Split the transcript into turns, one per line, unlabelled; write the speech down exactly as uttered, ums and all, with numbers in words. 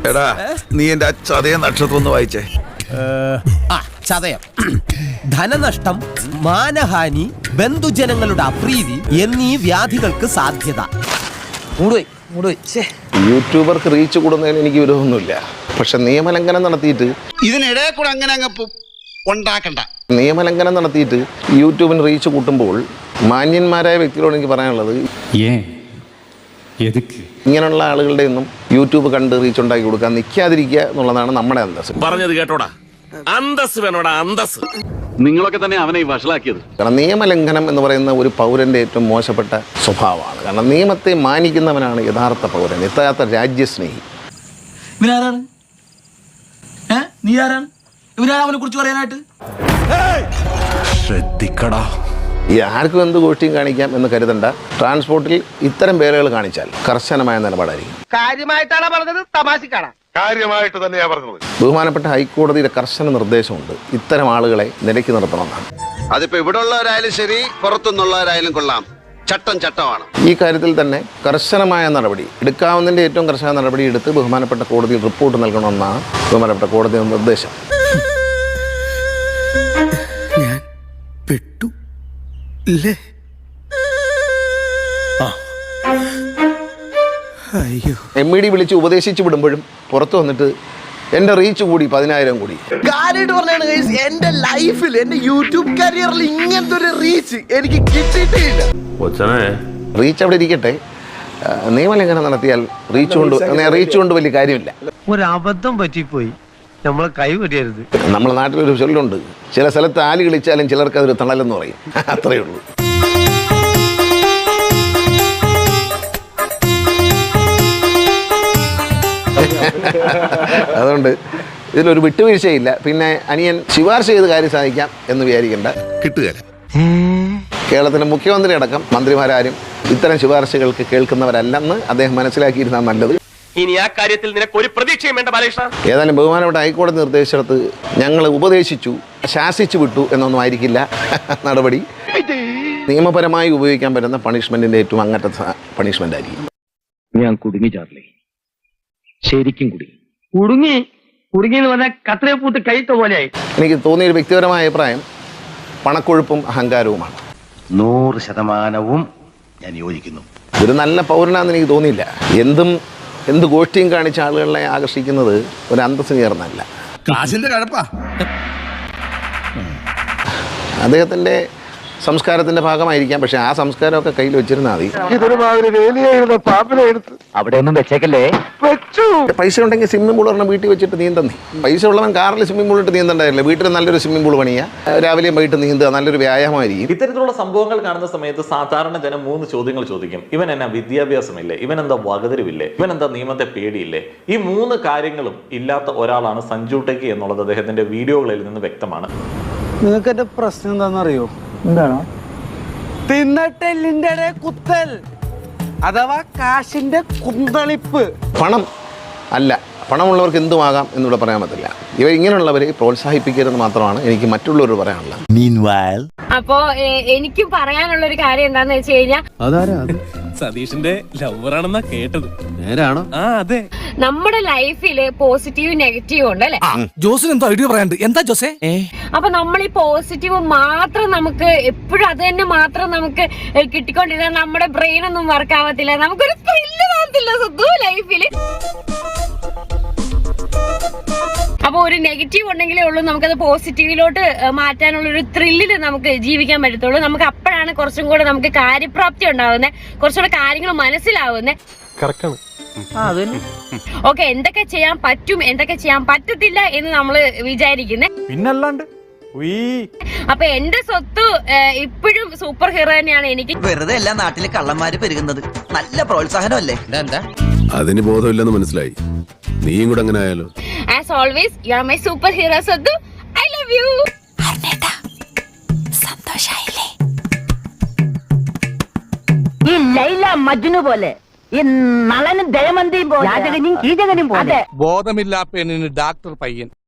എടാ നീ എന്റെ ആ ചതയ നക്ഷത്രം ഒന്ന് വായിച്ചേ.
ആ ചതയം. ധനനഷ്ടം, മാനഹാനി, ബന്ധുജനങ്ങളുടെ അപ്രീതി എന്നീ വ്യാധികൾക്ക് സാധ്യത.
യൂട്യൂബർക്ക് റീച്ച് കൂടുന്നതിന് എനിക്ക് വിരോധമൊന്നുമില്ല. പക്ഷെ നിയമലംഘനം നടത്തിയിട്ട്
ഇതിനിടെ കൂടെ അങ്ങനെ അങ്ങ് ഉണ്ടാക്കണ്ട.
നിയമലംഘനം നടത്തിയിട്ട് യൂട്യൂബിന് റീച്ച് കൂട്ടുമ്പോൾ മാന്യന്മാരായ വ്യക്തികളോട് എനിക്ക് പറയാനുള്ളത്, ഇങ്ങനെയുള്ള ആളുകളുടെ ഒന്നും യൂട്യൂബ് കണ്ട് റീച്ച് ഉണ്ടാക്കി കൊടുക്കാൻ നിൽക്കാതിരിക്കുക എന്നുള്ളതാണ് നമ്മുടെ അന്തസ്.
പറഞ്ഞത് കേട്ടോടാ, അന്തസ് വേണോടാ, അന്തസ്.
നിങ്ങളൊക്കെ തന്നെ അവനെ വഷളാക്കിയത്.
കാരണം നിയമലംഘനം എന്ന് പറയുന്ന ഒരു പൗരന്റെ ഏറ്റവും മോശപ്പെട്ട സ്വഭാവമാണ്. കാരണം നിയമത്തെ മാനിക്കുന്നവനാണ് യഥാർത്ഥ പൗരൻ, യഥാർത്ഥ രാജ്യസ്നേഹി.
ഇവനാരാണ്? നീ ആരാണ്? ഇവനാണ് അവനെ കുറിച്ച് പറയാനായിട്ട്?
ശ്രദ്ധിക്കടാ.
ഈ ആർക്കും എന്ത് ഗോഷ്ടിയും കാണിക്കാം എന്ന് കരുതണ്ട. ട്രാൻസ്പോർട്ടിൽ ഇത്തരം പേരുകൾ കാണിച്ചാൽ കർശനമായ നിലപാടായിരിക്കും.
കാര്യമായിട്ടാണ് പറഞ്ഞത്, തമാശക്കാണ്?
കാര്യമായിട്ട് തന്നെയാ പറഞ്ഞത്.
ബഹുമാനപ്പെട്ട ഹൈക്കോടതിയുടെ കർശന നിർദ്ദേശമുണ്ട്, ഇത്തരം ആളുകളെ നിലയ്ക്ക് നിർത്തണമെന്നാണ്.
അതിപ്പോ ഇവിടെ ഉള്ളവരായാലും ശരി, പുറത്തുനിന്നുള്ളവരായാലും കൊള്ളാം, ചട്ടം ചട്ടമാണ്.
ഈ കാര്യത്തിൽ തന്നെ കർശനമായ നടപടി എടുക്കാവുന്നതിൻ്റെ ഏറ്റവും കർശന നടപടി എടുത്ത് ബഹുമാനപ്പെട്ട കോടതിയിൽ റിപ്പോർട്ട് നൽകണമെന്നാണ് ബഹുമാനപ്പെട്ട കോടതിയുടെ നിർദ്ദേശം.
ഞാൻ പെട്ടു ഇല്ലേ? അയ്യോ.
എം ഇ ഡി വിളിച്ച് ഉപദേശിച്ച് വിടുമ്പോഴും പുറത്തു വന്നിട്ട് എന്റെ റീച്ച് കൂടി പതിനായിരം കൂടി.
കാര്യമായിട്ട് പറഞ്ഞാണ് എന്റെ ലൈഫിൽ, എന്റെ യൂട്യൂബ് കരിയറിൽ ഇങ്ങനത്തെ ഒരു റീച്ച് എനിക്ക് കിട്ടിയിട്ടില്ല.
റീച്ച് അവിടെ ഇരിക്കട്ടെ, നിയമലംഘനം നടത്തിയാൽ റീച്ച് കൊണ്ട് റീച്ച് കൊണ്ട് വലിയ കാര്യമില്ല.
ഒരു അബദ്ധം പറ്റിപ്പോയി, നമ്മളെ കൈ വെടിയരുത്.
നമ്മുടെ നാട്ടിലൊരു ചൊല്ലുണ്ട്, ചില സ്ഥലത്ത് ആല് കളിച്ചാലും ചിലർക്ക് അതൊരു തണലെന്ന് പറയും. അത്രയേ ഉള്ളൂ. അതുകൊണ്ട് ഇതിലൊരു വിട്ടുവീഴ്ചയില്ല. പിന്നെ അനിയൻ ശുപാർശ ചെയ്ത് കാര്യം സാധിക്കാം എന്ന് വിചാരിക്കേണ്ട.
കിട്ടുകയില്ല.
കേരളത്തിലെ മുഖ്യമന്ത്രി അടക്കം മന്ത്രിമാരാരും ഇത്തരം ശുപാർശകൾക്ക് കേൾക്കുന്നവരല്ലെന്ന് അദ്ദേഹം മനസ്സിലാക്കിയിരുന്നാൽ നല്ലത്.
ഇനി ആ കാര്യത്തിൽ നിനക്ക് ഒരു പ്രതീക്ഷയും വേണ്ട ബാലകൃഷ്ണ.
ഏതായാലും ബഹുമാനപ്പെട്ട ഹൈക്കോടതി നിർദ്ദേശിച്ചിടത്ത് ഞങ്ങൾ ഉപദേശിച്ചു, ശാസിച്ചു വിട്ടു എന്നൊന്നും ആയിരിക്കില്ല നടപടി. നിയമപരമായി ഉപയോഗിക്കാൻ പറ്റുന്ന പണിഷ്മെന്റിന്റെ ഏറ്റവും അങ്ങനത്തെ പണിഷ്മെന്റ് ആയിരിക്കും.
ഞാൻ കുടുങ്ങി ചാർലി, ശരിക്കും കുടുങ്ങി.
കുടുങ്ങി കുടുങ്ങി എന്ന് പറഞ്ഞാൽ കത്രയെ പൂത്ത് കൈത്ത പോലെയായി.
എനിക്ക് തോന്നിയൊരു വ്യക്തിപരമായ അഭിപ്രായം പണക്കൊഴുപ്പും അഹങ്കാരവുമാണ്.
നൂറ് ശതമാനവും ഞാൻ യോജിക്കുന്നു.
ഒരു നല്ല പൗരനാണെന്ന് എനിക്ക് തോന്നിയില്ല. എന്തും എന്ത് ഗോഷ്ടിയും കാണിച്ച ആളുകളെ ആകർഷിക്കുന്നത് ഒരു അന്തസ്സിന് ചേർന്നല്ല.
കാശിന്റെ കഴപ്പാ.
അദ്ദേഹത്തിന്റെ സംസ്കാരത്തിന്റെ ഭാഗമായിരിക്കാം. പക്ഷെ ആ സംസ്കാരമൊക്കെ കയ്യിൽ വെച്ചിരുന്നാൽ മതി.
അവിടെ ഒന്നും വെച്ചേക്കല്ലേ.
പൈസ ഉണ്ടെങ്കിൽ സ്വിമ്മിംഗ് പൂൾ പറഞ്ഞാൽ വീട്ടിൽ വെച്ചിട്ട് നീന്തന്നേ. പൈസ ഉള്ളവൻ കാറിൽ സ്വിമ്മിംഗ് പൂൾ ഇട്ട് നീന്തണ്ടായില്ല. വീട്ടിൽ നല്ലൊരു സ്വിമ്മിംഗ് പൂൾ പണിയുക, രാവിലെയും വൈകിട്ട് നീന്തുക, നല്ലൊരു വ്യായാമമായിരിക്കും.
ഇത്തരത്തിലുള്ള സംഭവങ്ങൾ കാണുന്ന സമയത്ത് സാധാരണ ജനം മൂന്ന് ചോദ്യങ്ങൾ ചോദിക്കും. ഇവൻ എന്നാ വിദ്യാഭ്യാസമില്ലേ? ഇവൻ എന്താ വകതിരിവില്ലേ? ഇവൻ എന്താ നിയമത്തെ പേടിയില്ലേ? ഈ മൂന്ന് കാര്യങ്ങളും ഇല്ലാത്ത ഒരാളാണ് സഞ്ജു ടെക്കി എന്നുള്ളത് അദ്ദേഹത്തിന്റെ വീഡിയോകളിൽ നിന്ന് വ്യക്തമാണ്.
നിങ്ങൾക്ക് എന്റെ പ്രശ്നം എന്താണെന്നറിയോ? എന്താണ്? തിന്നട്ടെല്ലിന്റെ കുത്തൽ അഥവാ കാശിന്റെ കുന്തളിപ്പ്.
പണം അല്ല, പണമുള്ളവർക്ക് എന്തുമാകാം എന്നിവിടെ പറയാൻ പറ്റില്ല. ഇവർ ഇങ്ങനെയുള്ളവരെ പ്രോത്സാഹിപ്പിക്കരുതെന്ന് മാത്രമാണ് എനിക്ക് മറ്റുള്ളവർ പറയാനുള്ളത്.
അപ്പോ എനിക്ക് പറയാനുള്ള ഒരു കാര്യം എന്താന്ന് വെച്ച് കഴിഞ്ഞാൽ,
സതീഷിന്റെ ലവറാണെന്നാ കേട്ടത്. നേരാണോ? ആ അതെ.
നമ്മുടെ ലൈഫില് പോസിറ്റീവ് നെഗറ്റീവ് ഉണ്ട് അല്ലെ?
ജോസിന് എന്തോ ഐഡിയ പറയാണ്ട്. എന്താ ജോസേ?
അപ്പൊ നമ്മൾ ഈ പോസിറ്റീവ് മാത്രം നമുക്ക് എപ്പോഴും അത് തന്നെ മാത്രം നമുക്ക് കിട്ടിക്കൊണ്ടിരുന്നാൽ നമ്മുടെ ബ്രെയിൻ ഒന്നും വർക്ക് ആവത്തില്ല, നമുക്കൊരു ത്രില്ല് തോന്നത്തില്ല സ്വന്തം ലൈഫില്. അപ്പൊ ഒരു നെഗറ്റീവ് ഉണ്ടെങ്കിലേ ഉള്ളൂ നമുക്കത് പോസിറ്റീവിലോട്ട് മാറ്റാനുള്ള ഒരു ത്രില്ലില് നമുക്ക് ജീവിക്കാൻ പറ്റത്തുള്ളൂ. നമുക്ക് അപ്പോഴാണ് കുറച്ചും കൂടെ നമുക്ക് കാര്യപ്രാപ്തി ഉണ്ടാവുന്നത്, കുറച്ചുകൂടെ കാര്യങ്ങൾ മനസ്സിലാവുന്നത്. ഓക്കെ, എന്തൊക്കെ ചെയ്യാൻ പറ്റും, എന്തൊക്കെ ചെയ്യാൻ പറ്റത്തില്ല എന്ന് നമ്മള് വിചാരിക്കുന്നേ.
പിന്നല്ലാണ്ട്
അപ്പൊ എന്റെ സ്വത്ത് ഇപ്പോഴും സൂപ്പർ ഹീറോ തന്നെയാണ്. എനിക്ക്
വെറുതെ എല്ലാ നാട്ടിലെ കള്ളന്മാര് പെരുകുന്നത് നല്ല പ്രോത്സാഹനമല്ലേ?
അതിന് ബോധമില്ലെന്ന് മനസ്സിലായി. നീയും കൂടെ അങ്ങനെ ആയാലോ?
As always you are my superhero സ്വത്ത്. I love you. സന്തോഷായില്ലേ?
ഈ ലൈല മജ്നു പോലെ, ഈ നളനും ദയമന്തിയും പോലെ, കീചകനും പോലെ.
ബോധമില്ലാ പെണ്ണിന് ഡാക്ടർ പയ്യൻ.